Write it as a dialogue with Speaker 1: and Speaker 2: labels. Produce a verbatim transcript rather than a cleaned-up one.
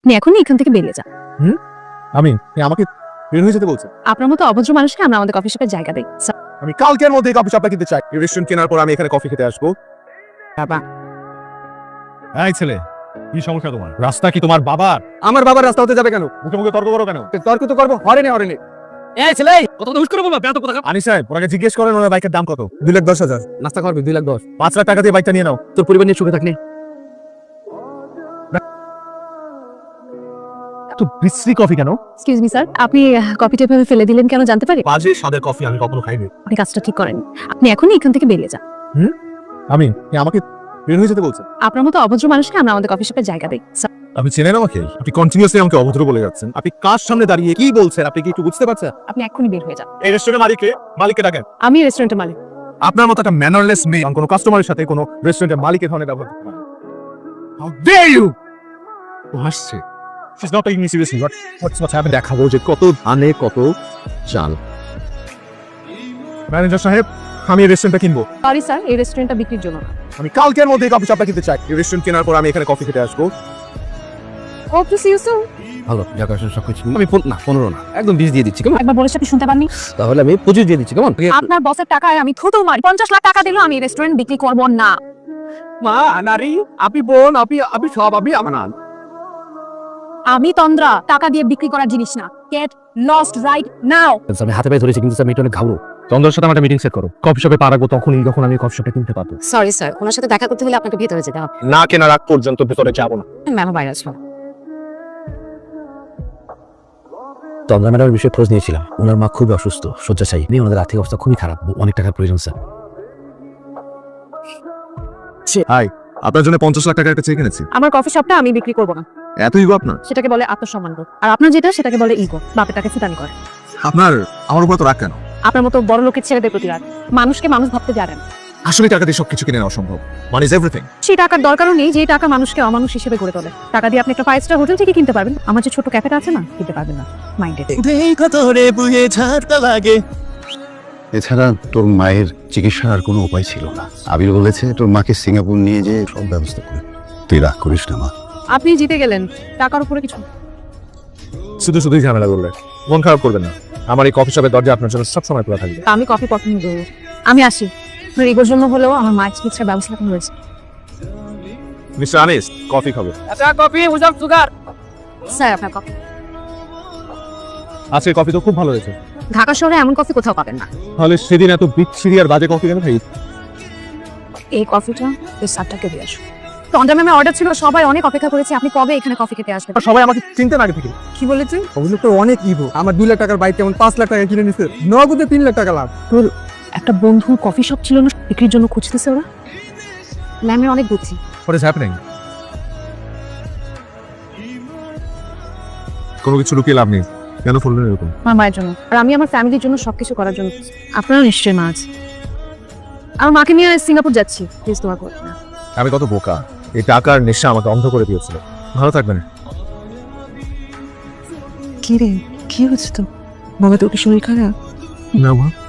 Speaker 1: আপনি এখনই এখান থেকে বেরিয়ে যান।
Speaker 2: হুম আমি আমাকে বের হয়ে যেতে বলছেন?
Speaker 1: আপনার মতো অভদ্র মানুষকে আমরা আমাদের কফি শপের জায়গা দেই। স্যার,
Speaker 2: আমি কালকের মধ্যে কফি শপটা কিনতে চাই। এই রেস্টুরেন্ট কেনার পর আমি এখানে কফি খেতে আসবো।
Speaker 1: বাবা,
Speaker 2: এই ছেলে, কি সমস্যা তোমার? রাস্তা কি তোমার বাবার? আমার বাবার রাস্তা হতে যাবে কেন? মুখে মুখে তর্ক করো কেন? তর্ক তো করবো হরেনে হরেনে।
Speaker 3: এই ছেলে কত কথা হুশ করে বলবা বেয়াদব কথা।
Speaker 2: আনি সাহেব, ওনাকে জিজ্ঞেস করেন ওনার বাইকের দাম কত? দুই লাখ দশ হাজার।
Speaker 3: নাস্তা খাওয়াবি দুই লাখ দশ।
Speaker 2: পাঁচ লাখ টাকা দিয়ে বাইকটা নিয়ে নাও।
Speaker 3: তোর পরিবার নিয়ে সুখে থাকলে
Speaker 2: তো বিশ্রী কফি কেন?
Speaker 1: এক্সকিউজ মি স্যার, আপনি কফিটা এভাবে ফেলে দিলেন কেন জানতে পারি?
Speaker 2: বাজে স্বাদের কফি আমি কখনো খাইনি।
Speaker 1: আপনি কাজটা ঠিক করেন। আপনি এখনই এখান থেকে বেরিয়ে যান।
Speaker 2: হুম আমি আমাকে বের হয়ে যেতে বলছেন?
Speaker 1: আপনার মতো অভদ্র মানুষকে আমরা আমাদের কফি শপের জায়গা দেই। স্যার,
Speaker 2: আপনি চেনেন আমাকে? আপনি কন্টিনিউয়াসলি আমাকে অভদ্র বলে যাচ্ছেন। আপনি কার সামনে দাঁড়িয়ে কি বলছেন আপনি কি একটু বুঝতে পারছেন?
Speaker 1: আপনি এখনই বের হয়ে যান।
Speaker 2: এই রেস্টুরেন্টের মালিককে মালিককে ডাকেন।
Speaker 1: আমি রেস্টুরেন্টের মালিক।
Speaker 2: আপনার মতো একটা ম্যানারলেস মেয়ে কোনো কাস্টমারের সাথে কোনো রেস্টুরেন্টের মালিকের ধরনের ব্যবহার করতে পারে? How dare you! ও হাসছে। She's not taking me seriously. What what's what's happened? দেখাবো যে কত ধানে কত চাল। ম্যানেজার সাহেব, আমি এই রেস্টুরেন্টটা কিনবো।
Speaker 1: সরি স্যার, এই রেস্টুরেন্টটা বিক্রির জন্য না।
Speaker 2: আমি কালকের মধ্যে কফি শপটা কিনতে চাই। এই রেস্টুরেন্ট কেনার পর আমি এখানে কফি খেতে আসবো।
Speaker 1: ও টু সি ইউ সুন।
Speaker 3: ভালো যাক আসলে সবকিছু আমি পন- না পনেরো না একদম বিশ দিয়ে দিচ্ছি কেমন?
Speaker 1: একবার বলেছি আপনি শুনতে পাননি?
Speaker 3: তাহলে আমি পঁচিশ দিয়ে দিচ্ছি কেমন?
Speaker 1: আপনার বসের টাকায় আমি থুতু মারি। পঞ্চাশ লাখ টাকা দিলেও আমি এই রেস্টুরেন্ট বিক্রি করব না।
Speaker 3: মা নারী আপনি বোন আপনি আপনি সব আপনি আমার না।
Speaker 1: আমি তন্দ্রা, টাকা দিয়ে বিক্রি করার জিনিস না। Get lost right now.
Speaker 3: আমি হাতে পায়ে ধরেছি কিন্তু স্যার মেয়েটা অনেক ঘাবড়ো। চন্দ্রের সাথে আমার মিটিং সেট করো। কফি শপে পা রাখবো তখনই যখন আমি কফি শপটা কিনতে পারবো।
Speaker 1: সরি স্যার, ওনার সাথে দেখা করতে হলে আপনাকে ভেতরে যেতে হবে।
Speaker 2: না কেনার আগ পর্যন্ত ভেতরে যাবো না।
Speaker 1: ম্যাম বাইরে আসবো।
Speaker 3: চন্দ্রা ম্যাডামের বিষয়ে খোঁজ নিয়েছিলাম। ওনার মা খুবই অসুস্থ, শয্যাশায়ী। নিয়ে ওনাদের আর্থিক অবস্থা খুবই খারাপ, অনেক টাকার প্রয়োজন স্যার।
Speaker 2: হাই, আপনার জন্য পঞ্চাশ লাখ টাকা একটা চেক এনেছি।
Speaker 1: আমার কফি শপটা আমি বিক্রি করব না।
Speaker 2: এত ইগো আপনার?
Speaker 1: সেটাকে বলে আত্মসম্মান বোধ। আর আপনার যেটা সেটাকে বলে ইগো। বাপের টাকা ফুটানি করে।
Speaker 2: আপনার আমার উপর তো রাগ কেন?
Speaker 1: আপনার মতো বড় লোকের ছেলেদের প্রতি রাগ। মানুষকে মানুষ ভাবতে জানেন।
Speaker 2: আসলে টাকা দিয়ে সবকিছু কিনে নেওয়া সম্ভব। Money is everything.
Speaker 1: সেই টাকার দরকারও নেই যে টাকা মানুষকে অমানুষ হিসেবে গড়ে তোলে। টাকা দিয়ে আপনি একটা ফাইভ স্টার হোটেল থেকে কিনতে পারবেন। আমার যে ছোট ক্যাফেটা আছে না, কিনতে পারবেন না। মাইন্ডেড।
Speaker 4: এছাড়া তোর মায়ের চিকিৎসার আর কোনো উপায় ছিল না। আবির বলেছে তোর মাকে সিঙ্গাপুর নিয়ে যেয়ে সব ব্যবস্থা করে। তুই রাগ করিস না মা।
Speaker 1: আপনি জিতে গেলেন, টাকার উপরে কিছু।
Speaker 2: শুধু শুধুই ঝামেলা করলে। মন খারাপ করবেন না। আমার এই কফি শপের দরজা আপনার জন্য সবসময় খোলা থাকবে।
Speaker 1: আমি কফি পছন্দ করব। আমি আসি। আপনার ইগোর জন্য হলেও আমার মায়ের চিকিৎসার ব্যবস্থা এখন রয়েছে।
Speaker 2: মিস্টার আনিস, কফি খাবে?
Speaker 3: আচ্ছা কফি উইদাউট সুগার।
Speaker 1: স্যার, আপনার কফি।
Speaker 2: আজকে কফি তো খুব ভালো হয়েছে।
Speaker 1: ঢাকা শহরে এমন কফি কোথাও পাবেন না।
Speaker 2: তাহলে সেদিন এত বিচ্ছিরি আর বাজে কফি কেন খাই?
Speaker 1: এই কফিটা এই সাতটাকে দিয়ে আসুন। তন্দ্রা ম্যামের অর্ডার ছিল, সবাই অনেক অপেক্ষা করেছে। আপনি কবে এখানে কফি খেতে আসবেন?
Speaker 2: সবাই আমাকে চিনতেন আগে থেকে।
Speaker 1: কি বলেছেন?
Speaker 5: ওগুলো তো অনেক ইগো। আমার দুই লাখ টাকার বাইক কেমন পাঁচ লাখ টাকা কিনে নিচ্ছে, নগদে তিন লাখ টাকা লাভ।
Speaker 1: তোর একটা বন্ধু কফি শপ ছিল না, বিক্রির জন্য খুঁজতেছে ওরা। ম্যামের অনেক বুদ্ধি।
Speaker 2: What is happening? কোনো কিছু লুকিয়ে লাভ নেই। কেন বললেন এরকম?
Speaker 1: আমার মায়ের জন্য, আর আমি আমার ফ্যামিলির জন্য সবকিছু করার জন্য। আপনারও নিশ্চয়ই মা আছে। আমার মাকে নিয়ে সিঙ্গাপুর যাচ্ছি, প্লিজ দোয়া করবেন না।
Speaker 2: আমি কত বোকা! এই টাকার নেশা আমাকে অন্ধ করে দিয়েছিল। ভালো থাকবেন।
Speaker 6: কি রে, কি হচ্ছে তো? বাবা তোর কি শরীর খারাপ?
Speaker 2: না মা।